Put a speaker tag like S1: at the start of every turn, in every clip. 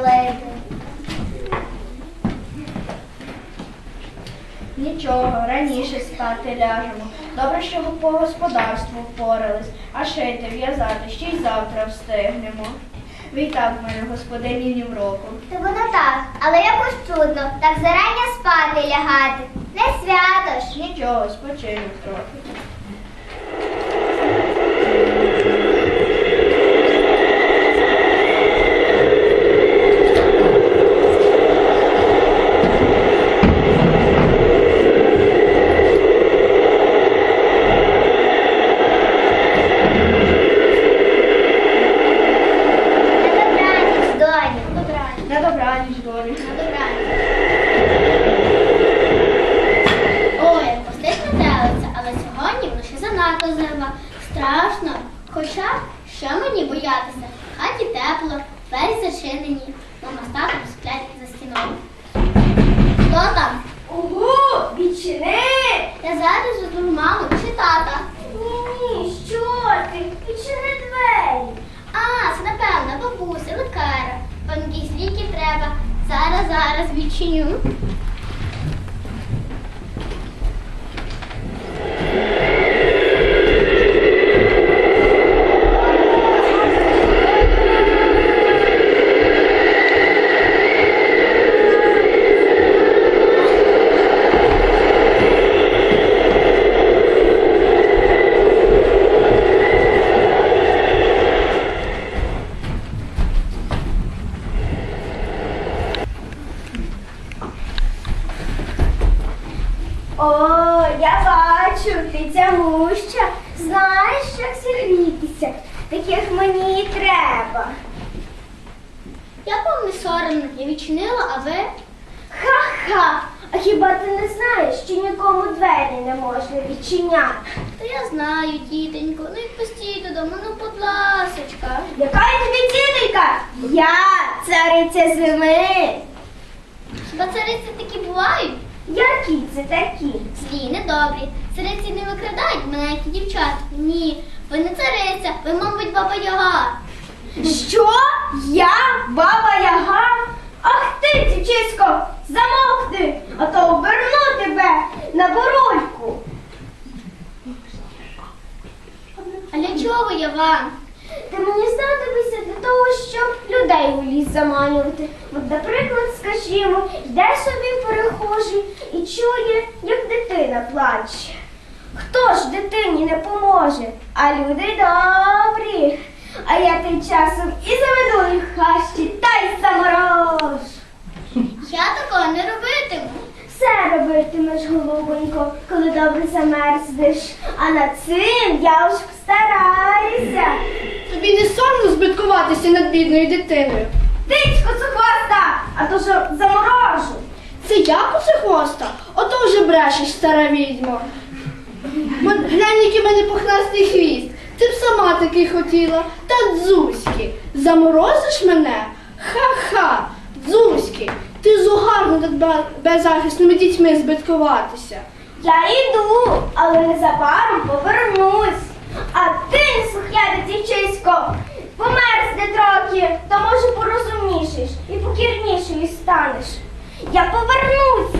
S1: звалити.
S2: Нічого, раніше спати ляжемо. Добре, що по господарству впорались, а шити, в'язати ще й завтра встигнемо. Ви й так в мене господині ні в року.
S1: То воно так, але якось чудно, так зарання спати лягати. Не свято ж.
S2: Нічого, спочинок трохи.
S1: На добраніч, доню.
S2: На добраніч, долі.
S1: На добраніч. Ой, як пустить метелиця, але сьогодні воно ще занадто зима. Страшно. Хоча, що мені боятися? В хаті тепло, двері зачинені. Мама з татом сплять за стіною. Хто там?
S2: Ого, відчини!
S1: Я зараз жду маму чи тата.
S2: Ні, що ти? Відчини двері.
S1: А, це напевно бабуся, лекаря. Вам якісь ліки треба. Зараз відчиню.
S2: О, я бачу, ти тягуща. Знаєш, як зігрітися. Таких мені і треба.
S1: Я вам не соромно, я відчинила, а ви?
S2: Ха-ха! А хіба ти не знаєш, що нікому двері не можна відчиняти?
S1: Та я знаю, тітенько, ну і пустіть додому, ну будь ласочка.
S2: Яка я тобі тітенька? Я цариця зими.
S1: Хіба цариці такі бувають?
S2: Які це такі?
S1: Злі, недобрі. Цариці не викрадають маленькі дівчат. Ні, ви не цариця, ви, мабуть, баба Яга.
S2: Що? Я? Баба Яга? Ах ти, дівчисько, замовкни, а то оберну тебе на бурульку.
S1: А для чого я вам?
S2: Ти мені знадобишся для того, щоб людей у ліс заманювати. От, наприклад, скажімо, йде собі перехожий і чує, як дитина плаче. Хто ж дитині не поможе? А люди добрі. А я тим часом і заведу їх в хащі та й заморожу.
S1: Я такого не робитиму.
S2: Все робитимеш, голубонько, коли добре замерзнеш. А над цим я уж постараюся.
S3: Тобі не соромно збиткуватися над бідною дитиною?
S2: Тичко цухоста, а то що заморожу.
S3: Це я посихоста? Ото вже брешеш, стара відьма. Глянь, який в мене пухнастий хвіст. Ти б сама такий хотіла. Та дзузьки, заморозиш мене? Ха-ха, дзузьки, ти зугарно над беззахисними дітьми збиткуватися.
S2: Я йду, але незабаром повернусь. А ти, неслухняне дівчисько, померзне трохи, то може порозумнішиш і покірнішою станеш. Я повернусь.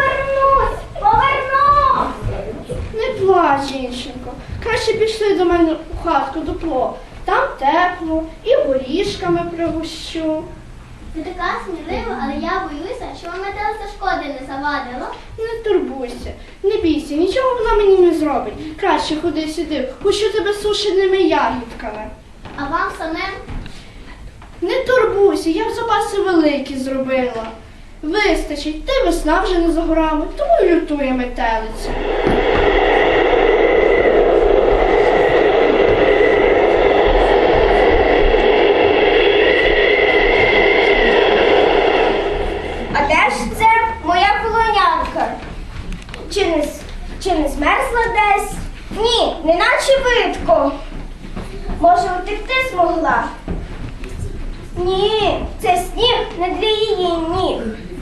S3: Не плач, жінченко. Краще пішли до мене у хатку дупло. Там тепло і горішками пригощу.
S1: Ви така смілива, але я боюся, що вам метелиця шкоди не завадила.
S3: Не турбуйся, не бійся, нічого вона мені не зробить. Краще ходи сюди, пущу тебе сушеними ягідками.
S1: А вам самим?
S3: Не турбуйся, я в запаси великі зробила. Вистачить, та й весна вже не за горами, тому й лютує метелиця.
S2: А де ж це моя полонянка? Чи не змерзла десь? Ні, неначе видко. Може, утекти змогла? Ні, це сніг не для її ніг.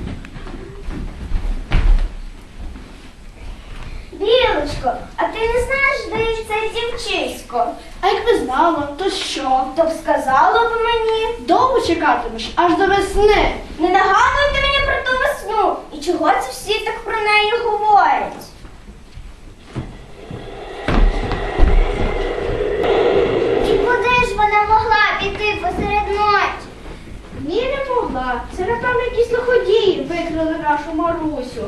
S2: Білочко, а ти не знаєш, де це дівчисько?
S3: А якби знала, то що?
S2: То б сказала б мені.
S3: Довго чекатимеш аж до весни.
S2: Не нагадуйте мені про ту весну. І чого це всі так про неї говорять? І куди ж вона могла піти посеред ночі?
S3: Ні, не могла. Це, напевно, якісь лиходії викрали нашу Марусю.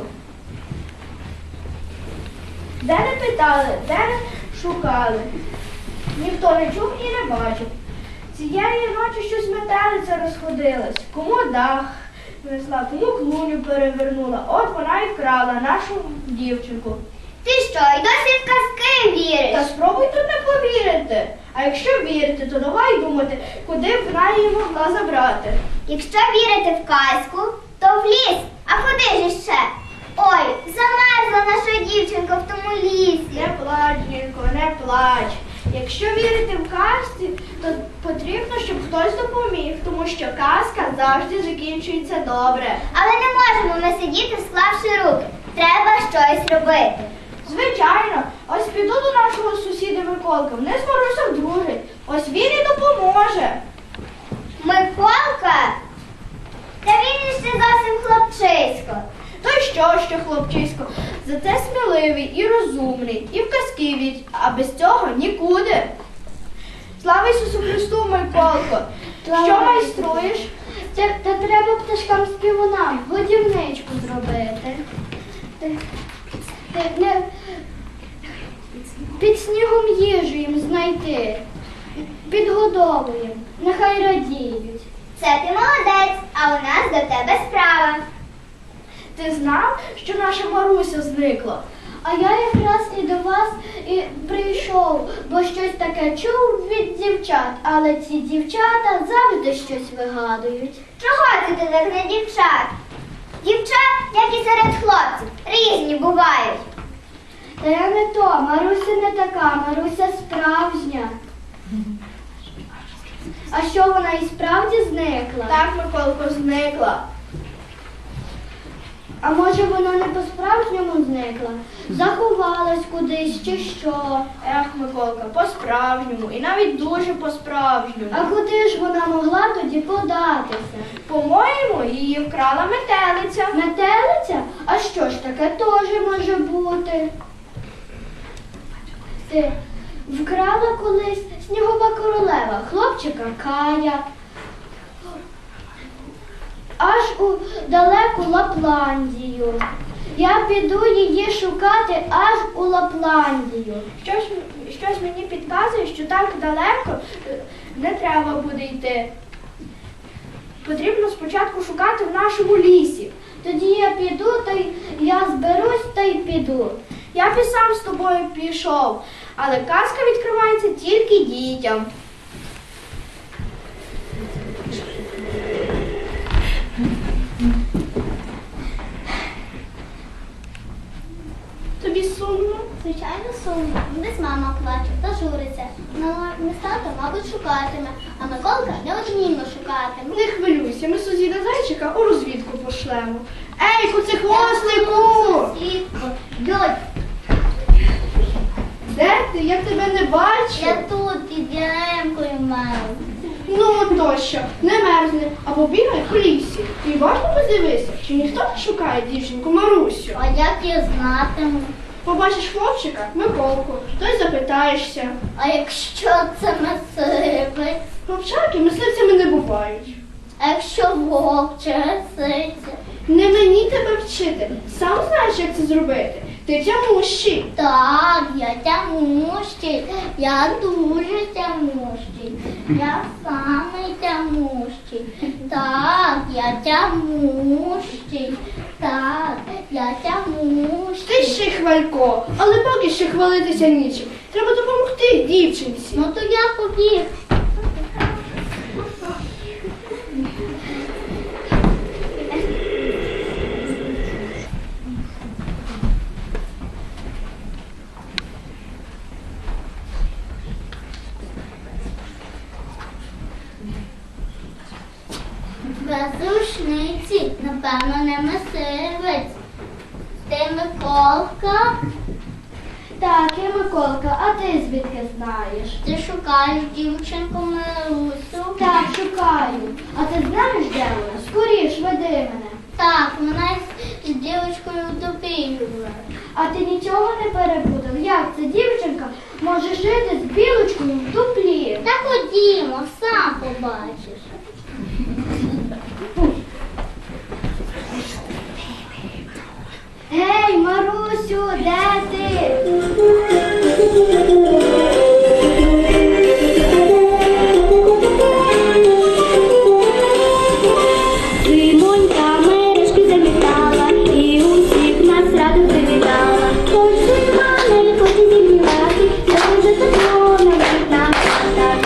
S3: Де не питали, де не шукали. Ніхто не чув і не бачив. Цієї ночі щось метелиця розходилась. Кому дах несла, кому клуню перевернула. От вона і вкрала нашу дівчинку.
S2: Ти що, й досі в казки віриш?
S3: Та спробуй тут не повірити. А якщо вірити, то давай думати, куди б вона її могла забрати.
S2: Якщо вірити в казку, то в ліс. А куди ж ще? Ой, замерзла наша дівчинка в тому лісі.
S3: Не плач, Нінко, не плач. Якщо вірити в казці, то потрібно, щоб хтось допоміг, тому що казка завжди закінчується добре.
S2: Але не можемо ми сидіти, склавши руки. Треба щось робити.
S3: Звичайно, ось піду до нашого сусіда Миколка, вони з Марусею дружать. Ось він і допоможе.
S2: Миколка? Та він іще зовсім хлопчисько.
S3: То й що хлопчисько, зате сміливий і розумний, і в казки вірить, а без цього нікуди. Слава Ісусу Христу, Миколко! Що майструєш?
S1: Та треба пташкам співунам годівничку зробити. Під снігом їжу їм знайти. Підгодовуємо. Нехай радіють.
S2: Це ти молодець, а у нас до тебе справа.
S3: Ти знав, що наша Маруся зникла?
S1: А я якраз і до вас і прийшов, бо щось таке чув від дівчат, але ці дівчата завжди щось вигадують.
S2: Чого ти так на дівчат? Дівчат, як і серед хлопців, різні бувають.
S1: Та я не то, Маруся не така, Маруся справжня. А що вона і справді зникла?
S3: Так, Миколко, зникла.
S1: А може вона не по-справжньому зникла? Заховалась кудись чи що?
S3: Ех, Миколка, по-справжньому, і навіть дуже по-справжньому.
S1: А куди ж вона могла тоді податися?
S3: По-моєму, її вкрала метелиця.
S1: Метелиця? А що ж таке теж може бути? Ти вкрала колись снігова королева, хлопчика Кая. Аж у далеку Лапландію. Я піду її шукати аж у Лапландію.
S3: Щось мені підказує, що так далеко не треба буде йти. Потрібно спочатку шукати в нашому лісі.
S1: Тоді я піду, та й я зберусь та й піду.
S3: Я б і сам з тобою пішов, але казка відкривається тільки дітям. Тобі сумно?
S1: Звичайно, сумно. Десь мама плаче та журиться. Не стато, мабуть, шукатиме, а Миколка неодмінно шукатиме.
S3: Не хвилюйся, ми сусіда зайчика у розвідку пошлемо. Ей, куцехвостику!
S1: Сітко, дьоть,
S3: Де ти? Я тебе не бачу.
S1: я тут під яремкою маю.
S3: Ну, тощо, не мерзни, а побігай в лісі. І уважно подивися, чи ніхто не шукає дівчинку Марусю.
S1: А як я знатиму?
S3: Побачиш хлопчика, Миколку, то й запитаєшся.
S1: А якщо це мисливець?
S3: Хлопчаки мисливцями не бувають.
S1: А якщо вовче ситься?
S3: Не мені тебе вчити. Сам знаєш, як це зробити. Ти тямущий.
S1: Так, я тямущий, я дуже тямущий, я самий тямущий. Так, я тямущий, так, я тямущий.
S3: Ти ще й хвалько, але поки ще хвалитися нічим. Треба допомогти дівчинці.
S1: Ну то я побіг. Без рушниці, напевно, не мисливець. Ти Миколка? Так, я Миколка, а ти звідки знаєш? Ти шукаєш дівчинку Марусю? Так,
S3: шукаю. А ти знаєш, де вона? Скоріш, веди мене.
S1: Так, вона з дівчинкою в дупі була.
S3: А ти нічого не перепутав? Як ця дівчинка може жити з білочкою в дуплі?
S1: Та ходімо, сам побачиш.
S3: Ей, Марусю, де ти?
S4: Зимонька мережки замітала і усіх нас радо привітала. Хоч зима не хоче зім'яти, дуже тепло на вікнах хата.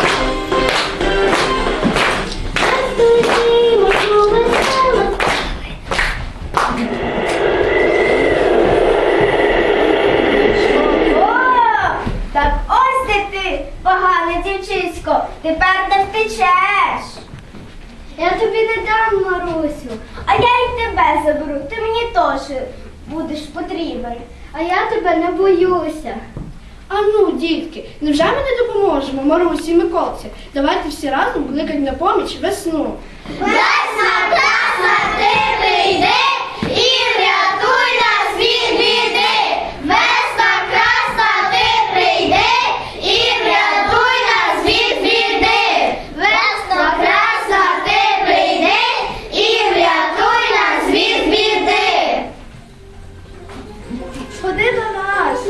S4: Розповімо, що весело.
S2: О, так ось де ти, погане дівчисько, тепер не втечеш.
S3: Я тобі не дам, Марусю.
S2: А я й тебе заберу, ти мені теж будеш потрібен.
S3: А я тебе не боюся. А ну, дітки, невже ми не допоможемо Марусі і Миколці? Давайте всі разом кликати на поміч весну.
S1: Весна, красна, ти прийди і врятуй нас від біди. Весна, красна, ти прийди і врятуй нас від біди. Весна, красна, ти прийди і врятуй нас від біди.
S3: Ходи до нас.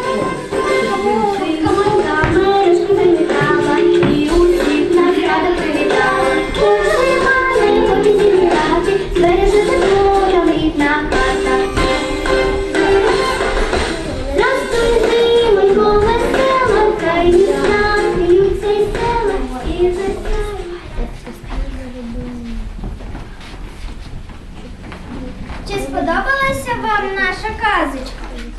S4: Зимонька мережки замітала і усіх нас радо привітала. Хоч зима не хоче зім'яти, збереже тепло на вікнах хата. Здравствуй, зимонько, весела, хай весна, сміються й села, і весна.
S2: Чи сподобалася вам наша казочка?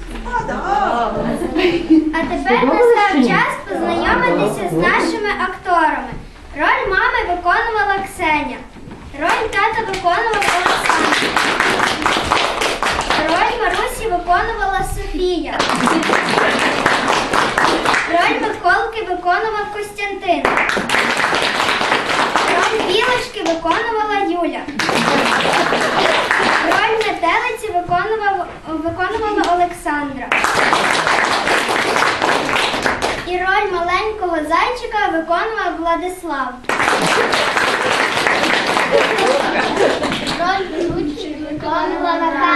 S2: А тепер настав час познайомитися з нашими акторами. Роль мами виконувала Ксеня. Роль тата виконував Олександр. Роль Марусі виконувала Софія. Роль Миколки виконував Костянтин. Роль Білочки виконувала Юля. Роль метелиці виконувала Олександра. І роль маленького зайчика виконував Владислав.
S1: Роль ведучої виконувала Наталя.